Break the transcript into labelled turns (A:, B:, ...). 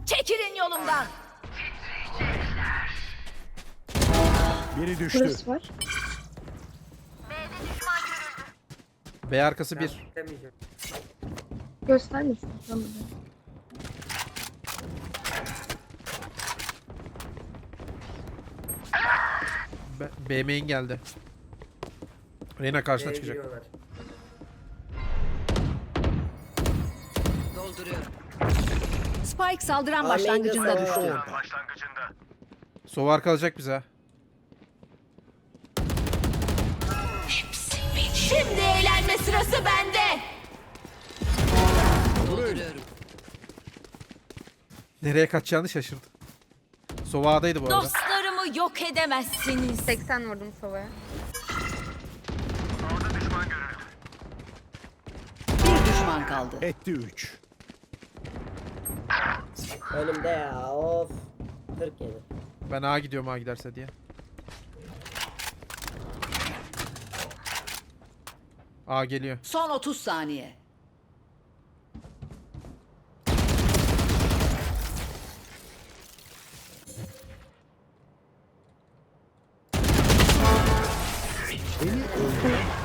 A: Çekilin yolumdan.
B: Biri düştü.
C: Burası var.
D: B arkası bir.
E: Demeyeceğim.
C: Göstermesin. Tamam.
D: B main geldi. Reyna karşına
E: B'ye
D: çıkacak.
E: giriyorlar.
A: Dolduruyorum. Spike saldıran
E: Aa,
A: başlangıcında
E: main'de
A: düştü.
E: sağ.
D: Sovar kalacak bize.
A: Şimdi eğlenme sırası bende. Dolduruyorum.
D: Nereye kaçacağını şaşırdı. Sova'daydı bu arada.
A: Dostlarımı yok edemezsiniz.
C: 80 vurdum Sova'ya.
A: Bir düşman kaldı.
B: Etti 3.
E: Önümde ya of. 47.
D: Ben A gidiyorum A giderse diye. A geliyor.
A: Son 30 saniye.
B: Beni öldüren